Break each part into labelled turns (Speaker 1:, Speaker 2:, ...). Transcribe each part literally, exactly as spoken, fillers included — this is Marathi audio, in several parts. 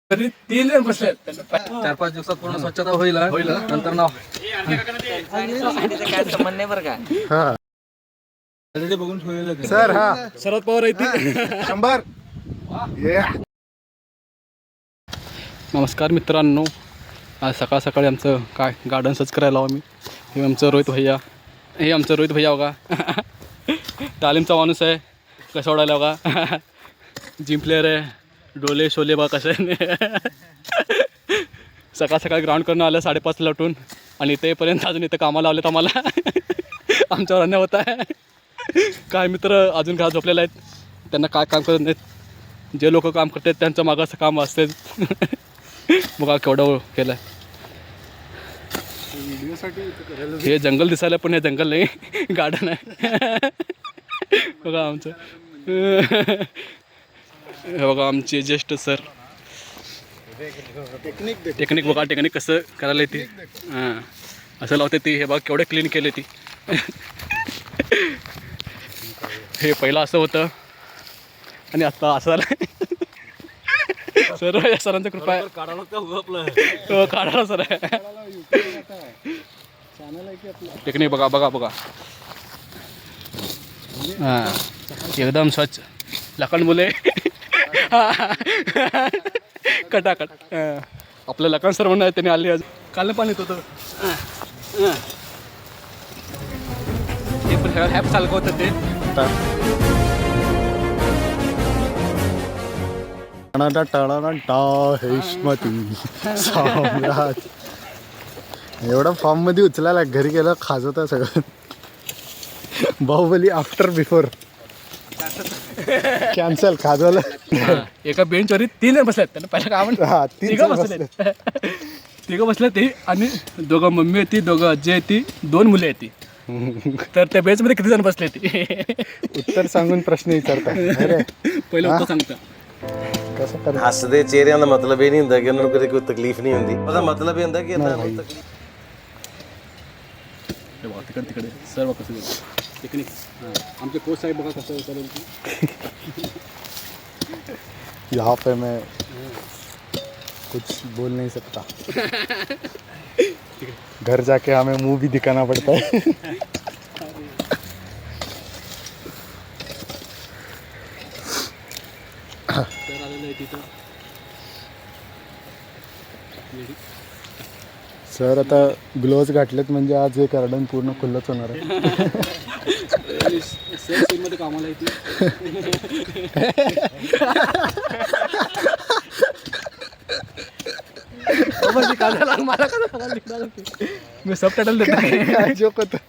Speaker 1: तरी तीन जण बसले
Speaker 2: चार पाच दिवसात पूर्ण स्वच्छता होईल होईल नंतर नाव
Speaker 3: काय संबंध नाही बरं का.
Speaker 4: हा
Speaker 1: बघून ठेवलेलं
Speaker 4: सर हा
Speaker 1: शरद पवार आहे
Speaker 4: शंभर ये
Speaker 2: नमस्कार मित्रांनो, आज सकाळ सकाळी आमचं काय गार्डन सच करायला आम्ही. हे आमचं रोहित भैया, हे आमचं रोहित भैया बघा. तालीमचा माणूस आहे, कसं ओढायला बघा. जिम प्लेअर आहे, डोले शोले बघा कसं आहे. सकाळ सकाळी ग्राउंड करून आलं साडेपाचला उठून आणि इथेपर्यंत अजून इथं कामाला लावलेत आम्हाला. आमच्यावर अन्याय होत आहे. काय मित्र अजून घरात झोपलेले आहेत, त्यांना काय काम करत नाहीत. जे लोक काम करतात त्यांचं मागं असं काम असते. बघा केवढं केलं आहे. हे जंगल दिसायला पण हे जंगल नाही, गार्डन आहे. बघा आमचं, हे बघा आमचे ज्येष्ठ सर. टेक्निक टेक्निक बघा, टेक्निक कसं करायला येते. हां असं लावते ती. हे बघा केवढे क्लीन केले ती. हे पहिलं असं होतं आणि आता असं झालं. सर या सरांचं कृपा आहे. हो काढायला सर आहे. टेक्निक बघा बघा बघा. हां एकदम स्वच्छ लखन मुले. कटाकट. आपलं लखन सर म्हणून त्यांनी आली आज. काल पाणी येत होतं ते पण हॅप चालक होतं ते.
Speaker 4: सम्राट एवढा फॉर्म मध्ये उचलायला घरी गेलं खाजवता सगळं. बाहुबली आफ्टर बिफोर कॅन्सल खाजवलं.
Speaker 2: एका बेंचवरी तीन जण बसल्यात. त्यांना पहिला काय म्हणतात,
Speaker 4: हा तीन
Speaker 2: तिघं बसले. तिघं बसले ते आणि दोघं मम्मी होती, दोघं आजी आहे ती, दोन मुले आहेत ती. तर त्या बेंचमध्ये किती जण बसले ती
Speaker 4: उत्तर सांगून प्रश्न विचारता. अरे
Speaker 2: पहिलं उत्तर सांगता.
Speaker 4: कसं कर
Speaker 5: हसदे चेहरिਆਂ ਦਾ ਮਤਲਬ ਇਹ ਨਹੀਂ ਹੁੰਦਾ ਕਿ ਉਹਨਾਂ ਨੂੰ ਕਦੇ ਕੋਈ ਤਕਲੀਫ ਨਹੀਂ ਹੁੰਦੀ. ਉਹਦਾ ਮਤਲਬ ਇਹ ਹੁੰਦਾ ਕਿ ਇਹਨਾਂ ਨੂੰ ਤਕਲੀਫ.
Speaker 2: हे बघा तिकडे तिकडे सर्व कसं टेक्निक. आमचे कोच साहेब बघा कसं चालेल.
Speaker 4: यहाँ पे मैं कुछ बोल नहीं सकता. घर जाके हमें मुंह भी दिखाना पड़ता है.
Speaker 2: सर आलेलं आहे तिथं.
Speaker 4: सर आता ग्लोव्ज घातलेत म्हणजे आज हे गार्डन पूर्ण खुल्लंच होणार आहे.
Speaker 2: सेल सेलमध्ये कामाला येते. मला मी सब टायटल देतो.
Speaker 4: काय जोक होतं.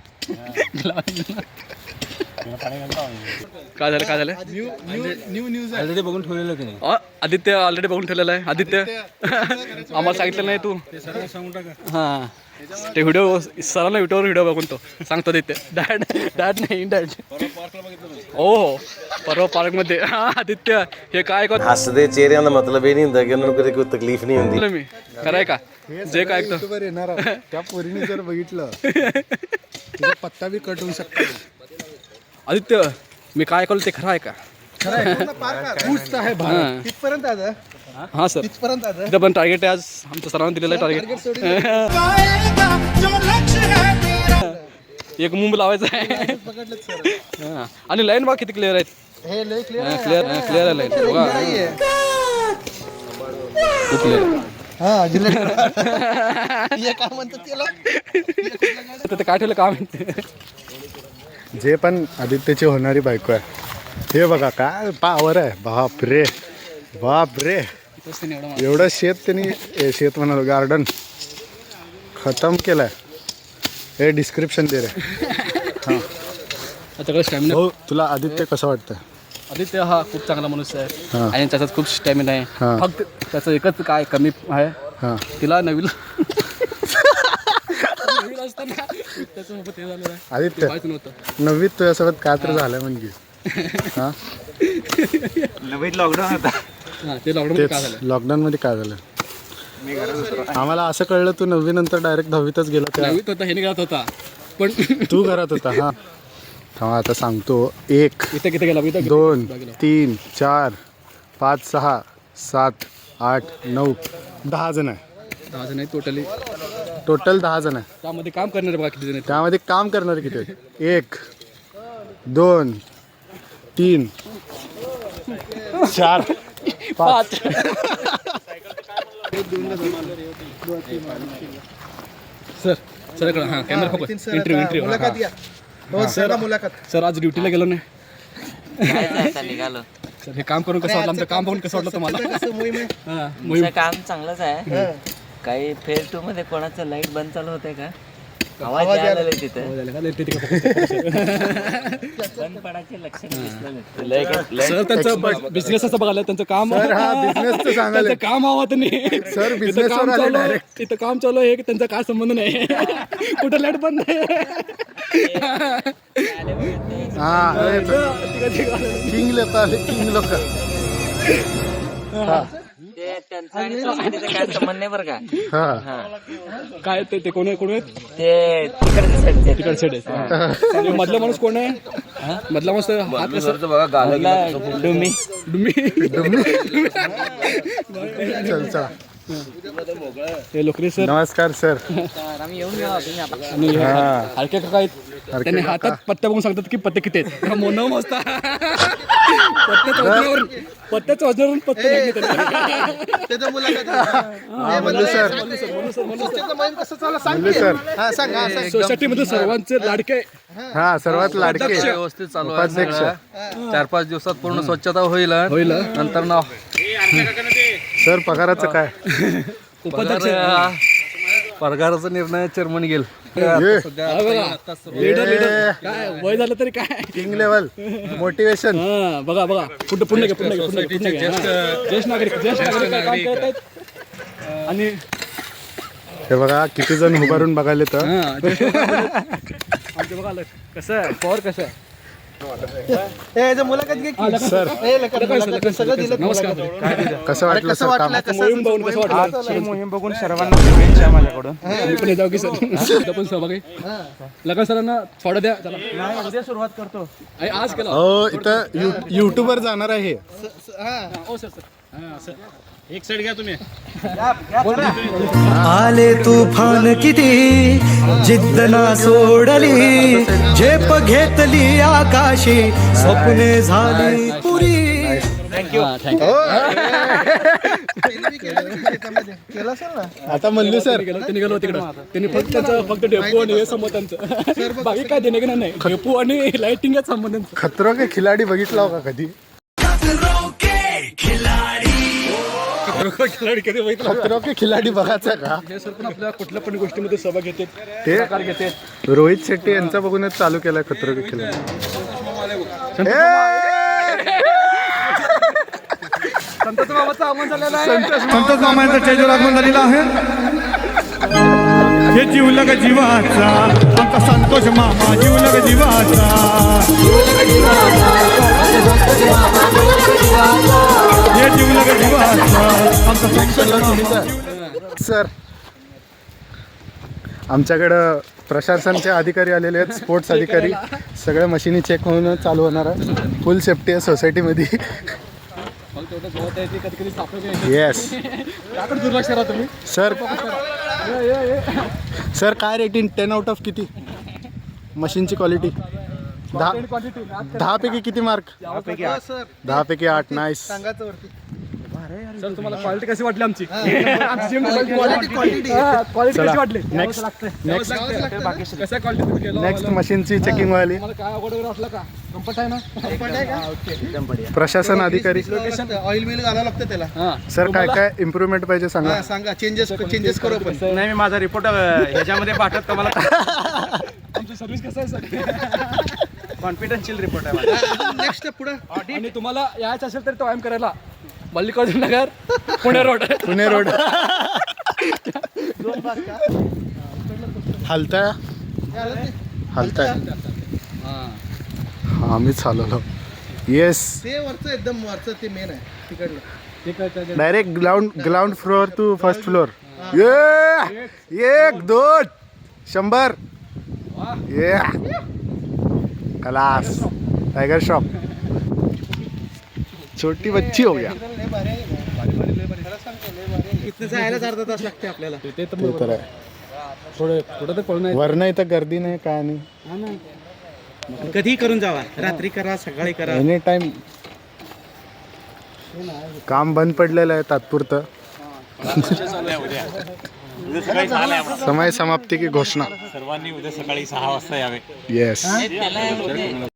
Speaker 2: काय झालं काय झालं.
Speaker 1: न्यू न्यूज ऑलरेडी बघून ठेवलेलं की नाही.
Speaker 2: अ, आदित्य ऑलरेडी बघून ठेवलेलं आहे. आदित्य आम्हाला सांगितलं नाही तू.
Speaker 1: सांगून टाका.
Speaker 2: हां ते व्हिडिओ सरांना व्हिडिओवर व्हिडिओ बघून तो सांगतो आदित्य. डॅड डॅड नाही डॅड. हो हो परवा पार्कमध्ये. हां आदित्य हे काय ऐकत
Speaker 5: हसदे चेहਰਿਆਂ ਦਾ ਮਤਲਬ ਇਹ ਨਹੀਂ ਹੁੰਦਾ ਕਿ ਉਹਨਾਂ ਨੂੰ ਕਦੇ ਕੋਈ ਤਕਲੀਫ ਨਹੀਂ ਹੁੰਦੀ.
Speaker 2: मी कराय का जे काय ऐकतो.
Speaker 4: युट्यूबवर येणार आहे. त्या पोरीने जर बघितलं तिचा पत्ता बी कट होऊ शकतो.
Speaker 2: आदित्य मी काय ऐकलं ते खरं आहे का.
Speaker 4: आहे
Speaker 2: हां
Speaker 4: तिथपर्यंत आलं.
Speaker 2: हां सर
Speaker 4: तिथपर्यंत आलं.
Speaker 2: तिथं पण टार्गेट आहे आज आमच्या सरांना दिलेलं आहे टार्गेट. एक मुंब लावायचं आहे. हां आणि लाईन बघा किती क्लिअर आहेत.
Speaker 4: हे लय क्लिअर
Speaker 2: क्लिअर क्लिअर आहे लाईन बघा. खूप क्लिअर आहे.
Speaker 4: हा डिलीट हे काय म्हणतात त्याला.
Speaker 2: ते काय ठेवलं काम आहे.
Speaker 4: जे पण आदित्यची होणारी बायको आहे. हे बघा काय पावर आहे. बाप रे बाप रे. एवढं शेत त्यांनी ए, शेत म्हणाल गार्डन खतम केलंय. हे डिस्क्रिप्शन दे रे. हां
Speaker 2: त्याच्याकडे स्टॅमिना.
Speaker 4: हो तुला आदित्य कसं वाटतं.
Speaker 2: आदित्य हा खूप चांगला माणूस आहे
Speaker 4: हां.
Speaker 2: आणि त्याच्यात खूप स्टॅमिना आहे.
Speaker 4: हां.
Speaker 2: फक्त त्याचं एकच काय कमी आहे,
Speaker 4: हां
Speaker 2: तिला नवीन नवीन असताना त्याच्यासोबत हे झालं आहे.
Speaker 4: आदित्य
Speaker 2: माहिती नव्हतं.
Speaker 4: नववीत तुझ्यासोबत काय तर झालं म्हणजे. हां
Speaker 1: नवीन लॉकडाऊन होता.
Speaker 2: हां ते लॉकडाऊन काय
Speaker 4: तेच
Speaker 2: झालं.
Speaker 4: लॉकडाऊनमध्ये काय झालं. आम्हाला असं कळलं तू नववी नंतर डायरेक्ट दहावीतच गेला. त्या
Speaker 2: नवीन होता हे निघत होता पण
Speaker 4: तू घरात होता. हां हा आता सांगतो. एक
Speaker 2: इथं किती गेला इथं
Speaker 4: दोन तीन चार पाच सहा सात आठ नऊ दहा जण आहे.
Speaker 2: दहा जण आहेत टोटली.
Speaker 4: टोटल दहा जण आहे.
Speaker 2: त्यामध्ये काम करणारे बघा किती जण आहेत.
Speaker 4: त्यामध्ये काम करणारे किती आहेत? एक दोन तीन चार पाच.
Speaker 2: सर सर इकडं हां camera focus. Interview interview
Speaker 3: sir मुलाखत.
Speaker 2: सर आज ड्युटीला गेलो नाही.
Speaker 6: निघालो.
Speaker 2: सर हे काम करून कसं वाटलं? आमचं काम बघून कसं वाटलं तुम्हाला? हां मोहीम
Speaker 6: तुमचं काम चांगलंच आहे. काही फेज टू मध्ये कोणाचं लाईट बंद चालू होते का? आवाज यायला लागले तिथे. बंद पडायचे लक्षण दिसलं नाही.
Speaker 2: सर त्यांचं बिझनेस असं बघायला त्यांचं काम
Speaker 4: सर हा बिझनेसचं सांगायला
Speaker 2: त्यांचं काम आवत नाही.
Speaker 4: सर
Speaker 2: इथं
Speaker 4: बिझनेस
Speaker 2: काम
Speaker 4: आले
Speaker 2: चालू
Speaker 4: डायरेक्ट.
Speaker 2: इथं काम चालू आहे की त्यांचा काय संबंध नाही. कुठं लाईट बंद नाही.
Speaker 4: हा किंग लोक आले किंग लोक.
Speaker 6: ते त्यांचा आणि सोसायटीचा काय संबंध नाही बरं का.
Speaker 4: हा
Speaker 6: हा
Speaker 2: काय ते ते कोण आहे कोण आहेत?
Speaker 6: ते तिकडचे साईडचे.
Speaker 2: तिकड सेड आहे. आणि मधला माणूस कोण आहे? मधला माणूस हात कसं
Speaker 6: आपला डुमी.
Speaker 2: डुम्मी.
Speaker 4: चल चला.
Speaker 2: हे लोकरे सर
Speaker 4: नमस्कार सर.
Speaker 6: आम्ही येऊन गेलो होतो ना.
Speaker 2: आणि
Speaker 4: हा.
Speaker 2: हलके काका आहेत. त्यांनी हातात पत्त्या बघून सांगतात की पत्ते किती आहेत. मोनो मस्त पत्त्याच्या वजनावरून पत्त्याच्या वजनावरून पत्ते नाही घेतात.
Speaker 3: त्याचं मुलाखत.
Speaker 4: मल्लू सर
Speaker 3: कसं चाललं सांग
Speaker 4: मल्लू सर
Speaker 3: हा सांग हा सांग.
Speaker 2: सोसायटीमध्ये सर्वांचे लाडके
Speaker 4: हा सर्वात लाडके
Speaker 7: व्यवस्थित चालू आहे
Speaker 4: उपाध्यक्ष.
Speaker 7: सगळं. चार पाच दिवसात पूर्ण स्वच्छता होईल
Speaker 2: होईल.
Speaker 7: नंतर ना
Speaker 4: सर पगाराचं काय?
Speaker 2: उपाध्यक्ष
Speaker 7: पगाराचा निर्णय चेअरमन घेईल.
Speaker 2: लीडर लीडर काय वय झालं तरी काय.
Speaker 4: King level motivation.
Speaker 2: हा बघा बघा पुढे पुढे घे पुढे घे पुढे घे, पुढे घे. हा. ज्येष्ठ नागरिक ज्येष्ठ नागरिक काय काम करत आहेत. आणि
Speaker 4: हे बघा किती जण उभारून बघायला तर.
Speaker 2: हा ज्येष्ठ नागरिक. आमचं बघा आलं. कसं आहे पॉवर कसं आहे.
Speaker 3: ए, याचं मुलाखत घे की.
Speaker 4: सर
Speaker 3: ए, लका- मुलाखत सगळं दिलं.
Speaker 2: नमस्कार.
Speaker 4: कसं वाटलं
Speaker 3: कसं
Speaker 4: सर काम?
Speaker 3: वाटलं कसं
Speaker 2: मोहीम बघून कसं वाटलं?
Speaker 1: मोहीम बघून सर्वांना शुभेच्छा माझ्याकडून.
Speaker 2: मी पण जाऊ की सर पण सहभागी. लगा सरांना थोडं द्या चला.
Speaker 1: उद्या सुरुवात करतो.
Speaker 2: आई, आज केलं.
Speaker 4: हो इथं यू युट्यूबवर जाणार आहे.
Speaker 2: हो सर सर हां सर
Speaker 1: एक साईड घ्या तुम्ही.
Speaker 8: आले तुफान किती जिद्द ना सोडली झेप घेतली आकाशी स्वप्ने झाली पुरी.
Speaker 2: Thank you thank you.
Speaker 3: केलं असेल ना.
Speaker 4: आता मल्लू सर
Speaker 2: ते निघालो तिकडं. त्यांनी फक्त त्यांचं फक्त डेपो आणि हे संबंध त्यांचं बाकी काय देणे की नाही. डेपो आणि लाइटिंग संबंध त्यांचं.
Speaker 4: खतरो के खिलाडी बघितला का कधी?
Speaker 2: खिलाडी कधी बघितलं.
Speaker 4: खतरो के खिलाडी बघायचा का?
Speaker 2: हे सर पण आपल्या कुठल्या पण गोष्टीमध्ये सहभाग घेतात.
Speaker 4: ते
Speaker 2: सहकार घेतात.
Speaker 4: रोहित शेट्टी यांचा बघूनच चालू केलाय खतरो के खिलाडी.
Speaker 2: संतोष बाबाचं आव्हान झालेलं आहे.
Speaker 8: संतोष मामांचं चैत्र आगमन झालेलं आहे. हे जीवलग जीवाचा आमचा संतोष मामा जीवलग जीवाचा. हे जीवलग जीवाचा आमचा संतोष मामा.
Speaker 4: सर आमच्याकडं प्रशासनचे अधिकारी आलेले आहेत. स्पोर्ट्स अधिकारी सगळ्या मशिनी चेक होऊन चालू होणार आहे. फुल सेफ्टी आहे सोसायटीमध्ये.
Speaker 2: मग तेवढं गवत आहे ते कधी कधी सापडत नाही.
Speaker 4: येस
Speaker 2: त्याकडे दुर्लक्ष करा तुम्ही.
Speaker 4: सर सर काय रेटिंग टेन आउट ऑफ किती मशीनची क्वालिटी? दहा
Speaker 2: क्वांटिटी
Speaker 4: दहा पैकी किती मार्क? दहा पैकी आठ. नाईस.
Speaker 3: सांगायचं वरती.
Speaker 2: सर तुम्हाला क्वालिटी कशी वाटली आमची? आमची
Speaker 3: क्वालिटी क्वालिटी
Speaker 2: क्वालिटी
Speaker 4: चला.
Speaker 2: कशी वाटली?
Speaker 4: नेक्स्ट नेक्स्ट
Speaker 2: कसं क्वालिटी तुम्ही केलं?
Speaker 4: नेक्स्ट मशीनची चेकिंग व्हायली.
Speaker 2: तुम्हाला काय अवघड वगैरे वाटलं का? कम्फर्ट आहे ना?
Speaker 4: प्रशासन अधिकारी
Speaker 3: ऑइल बिल घालावं लागतं त्याला.
Speaker 2: हां
Speaker 4: सर काय काय इम्प्रूव्हमेंट पाहिजे सांगा.
Speaker 3: हा, सांगा चेंजेस चेंजेस करू आपण.
Speaker 1: नाही मी माझा रिपोर्ट ह्याच्यामध्ये पाठवत तुम्हाला.
Speaker 2: आमची सर्व्हिस कसं आहे सर?
Speaker 1: कॉन्फिडन्शियल रिपोर्ट आहे माझा.
Speaker 3: नेक्स्ट पुढं
Speaker 2: आणि तुम्हाला यायचं असेल तर तो व्यायाम करायला मल्लिकार्जुन नगर पुणे रोड.
Speaker 4: पुणे रोड. हलताय हलताय. हा मीच हलवलो. येस
Speaker 3: ते वरचं एकदम वरचं ते मेन आहे तिकडलं.
Speaker 4: Direct ground ground floor to first floor. ये एक दोन शंभर. ये क्लास. टाइगर श्रॉफ छोटी बच्ची हो गया.
Speaker 3: लय भारी आहे.
Speaker 1: इथनं जायलाच अर्धा तास लागते आपल्याला.
Speaker 2: ते तर
Speaker 4: ते तर आहे.
Speaker 2: थोडं थोडं तर पळून
Speaker 4: वरनं इथं गर्दी नाही काय नाही.
Speaker 1: कधीही करून जावा, रात्री करा सकाळी करा.
Speaker 4: एनी टाइम काम बंद पडलेलं आहे तात्पुरतं. समय समाप्ती की घोषणा.
Speaker 1: सर्वांनी उद्या सकाळी सहा वाजता यावे.
Speaker 4: येस.
Speaker 6: त्याला